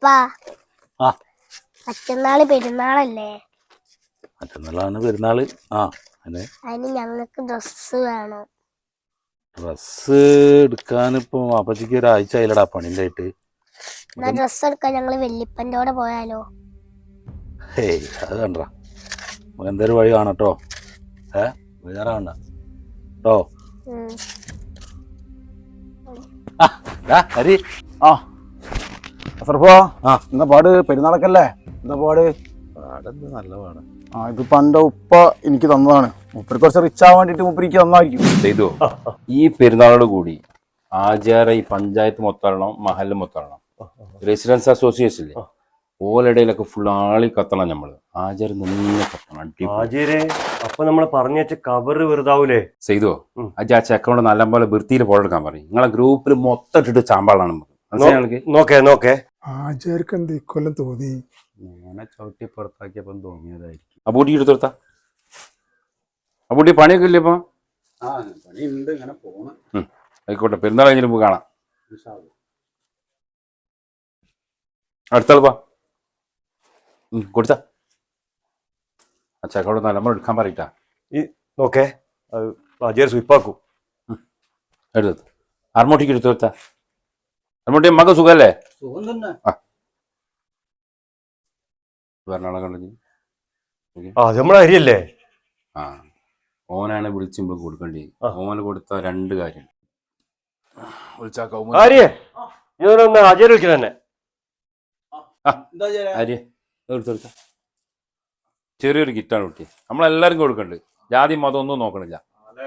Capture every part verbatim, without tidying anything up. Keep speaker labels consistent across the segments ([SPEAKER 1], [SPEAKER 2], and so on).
[SPEAKER 1] അപ്പാ മറ്റന്നാള് പെരുന്നാളല്ലേ?
[SPEAKER 2] മറ്റന്നാളാണ് പെരുന്നാള്. ആ
[SPEAKER 1] അതിന് ഞങ്ങൾക്ക് ഡ്രസ്സ് വേണം.
[SPEAKER 2] ഡ്രസ്സ് എടുക്കാനിപ്പോ അപ്പച്ചിക്ക് ഒരാഴ്ച ആയില്ലടാ പണിൻ്റെ ആയിട്ട്.
[SPEAKER 1] എന്നാ ഡ്രസ്സ് എടുക്കാൻ ഞങ്ങള് വെല്ലിപ്പൻ്റെ കൂടെ പോയാലോ?
[SPEAKER 2] ഹേയ് അത് കണ്ട നമുക്ക് എന്തായാലും വഴി കാണട്ടോ. ഏ ബേജാറാവണ്ട കേട്ടോ. ഹരി
[SPEAKER 3] ആ അസർഫോ, ആ എന്താ പാട്? പെരുന്നാളൊക്കെയല്ലേ, എന്താ പാട്?
[SPEAKER 2] പാടെന്ത് നല്ല പാടാ.
[SPEAKER 3] ആ ഇതിപ്പോ എൻ്റെ ഉപ്പ എനിക്ക് തന്നതാണ്. മൂപ്പര് കുറച്ച് റിച്ച് ആവാൻ വേണ്ടിട്ട് മൂപ്പരിക്ക് തന്നായിരിക്കും.
[SPEAKER 4] ചെയ്തു. ഈ പെരുന്നാളോട് കൂടി ആചാര ഈ പഞ്ചായത്ത് മൊത്തം മഹല് മൊത്തം റെസിഡൻസ് അസോസിയേഷൻ ഇല്ലേ, ഓലടയിലൊക്കെ ഫുൾ ആളി കത്തണം. നമ്മള് ആചാരം നിന്ന് കത്തണം.
[SPEAKER 5] ആചാര്യ അപ്പൊ നമ്മള് പറഞ്ഞു വെച്ച കവറ് വെറുതാവൂലേ?
[SPEAKER 4] ചെയ്തോ അജാ ചെക്കനോട് നല്ലപോലെ വൃത്തിയിൽ ഫോളെടുക്കാൻ പറയും. നിങ്ങളെ ഗ്രൂപ്പിൽ മൊത്തം ഇട്ടിട്ട് ചാമ്പാളാണ്.
[SPEAKER 5] നോക്കേ നോക്കേ
[SPEAKER 6] ആചാര്യക്ക് എന്ത് ഇക്കൊല്ലം തോന്നി?
[SPEAKER 4] ഞാനെ ചവിട്ടി പുറത്താക്കിയപ്പം തോന്നിയതായിരിക്കും. അബൂട്ടി എടുത്തെടുത്ത അബൂട്ടി പണിയൊക്കെ ഇല്ലേ ഇപ്പൊ?
[SPEAKER 3] പണിയുണ്ട്, ഇങ്ങനെ പോണം.
[SPEAKER 4] ആയിക്കോട്ടെ, പെരുന്നാൾ കഴിഞ്ഞിട്ട് നമുക്ക് കാണാം. അടുത്താൾപ്പാ കൊടുത്ത ആ ചെക്കോട് നല്ലമ്പോൾ എടുക്കാൻ പറയട്ടാ.
[SPEAKER 5] ഈ നോക്കേ ആചാര്യ സ്വീപ്പാക്കൂ.
[SPEAKER 4] എടുത്തു അർമോട്ടിക്ക് എടുത്തു കൊടുത്ത. അർമോട്ടി മക സുഖല്ലേ? ആ പറഞ്ഞാളെ കണ്ടു.
[SPEAKER 5] ആ നമ്മളെ അരിയല്ലേ?
[SPEAKER 4] ആ ഓനാണ് വിളിച്ചുമ്പോൾ കൊടുക്കേണ്ടി. ഓന് കൊടുത്ത രണ്ട് കാര്യം വിളിച്ചാ
[SPEAKER 5] ആര്യ ഇതൊന്ന് ആചാര്യ വിളിക്കണം തന്നെ.
[SPEAKER 4] ആര്യ എടുത്തെടുത്ത ചെറിയൊരു കിറ്റാണ് കുട്ടി. നമ്മളെല്ലാരും കൊടുക്കണ്ട്. ജാതി മതം ഒന്നും നോക്കണില്ല.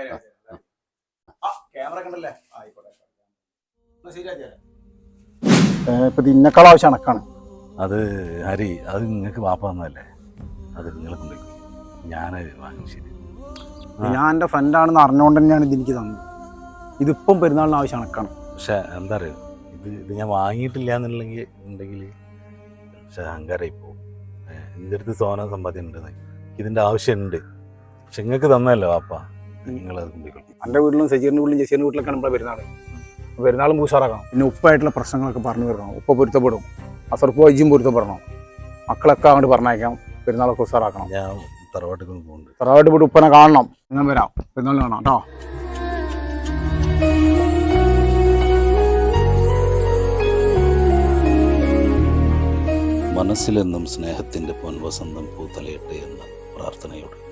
[SPEAKER 3] ഇപ്പൊ ഇന്നേക്കാൾ ആവശ്യം അണക്കാണ്.
[SPEAKER 2] അത് ഹരി, അത് നിങ്ങൾക്ക് വാപ്പ തന്നതല്ലേ, അത് നിങ്ങളെ കൊണ്ടുപോയി. ഞാനത് വാങ്ങി. ശരി,
[SPEAKER 3] ഞാൻ എൻ്റെ ഫ്രണ്ടാണെന്ന് അറിഞ്ഞുകൊണ്ട് തന്നെയാണ് ഇത് എനിക്ക് തന്നത്. ഇതിപ്പം പെരുന്നാളിന് ആവശ്യം അണക്കാണ്.
[SPEAKER 2] പക്ഷെ എന്താ അറിയോ, ഇത് ഇത് ഞാൻ വാങ്ങിയിട്ടില്ല എന്നുണ്ടെങ്കിൽ ഉണ്ടെങ്കിൽ പക്ഷെ അഹങ്കാരമായി പോകും. എൻ്റെ അടുത്ത് സോന സമ്പാദ്യം ഉണ്ട്, ഇതിൻ്റെ ആവശ്യമുണ്ട്. പക്ഷെ നിങ്ങൾക്ക് തന്നതല്ലോ വാപ്പ, നിങ്ങളത് കൊണ്ടുപോയിക്കോളൂ.
[SPEAKER 3] എൻ്റെ വീട്ടിലും സജീറിൻ്റെ വീട്ടിലും ജസീറിൻ്റെ വീട്ടിലൊക്കെ നമ്മളെ പെരുന്നാൾ പെരുന്നാളും പൂശാറാക്കണം. പിന്നെ ഉപ്പായിട്ടുള്ള പ്രശ്നങ്ങളൊക്കെ പറഞ്ഞു തരണം. ഉപ്പ പൊരുത്തപ്പെടും, അസർപ്പ് വൈദ്യം പൊരുത്തപ്പെടണം. മക്കളൊക്കെ അങ്ങോട്ട് പറഞ്ഞേക്കാം. പെരുന്നാളൊക്കെ ഉസാറാക്കണം.
[SPEAKER 2] ഞാൻ തറവാട്ടിൽ പോകുന്നുണ്ട്.
[SPEAKER 3] തറവാട്ട് പോയിട്ട് ഉപ്പനെ കാണണം. ഞാൻ വരാം, പെരുന്നാളിന് കാണാം കേട്ടോ.
[SPEAKER 2] മനസ്സിലെന്നും സ്നേഹത്തിൻ്റെ പൊൻവസന്തം പൂത്തലയട്ടെ എന്ന പ്രാർത്ഥനയോട്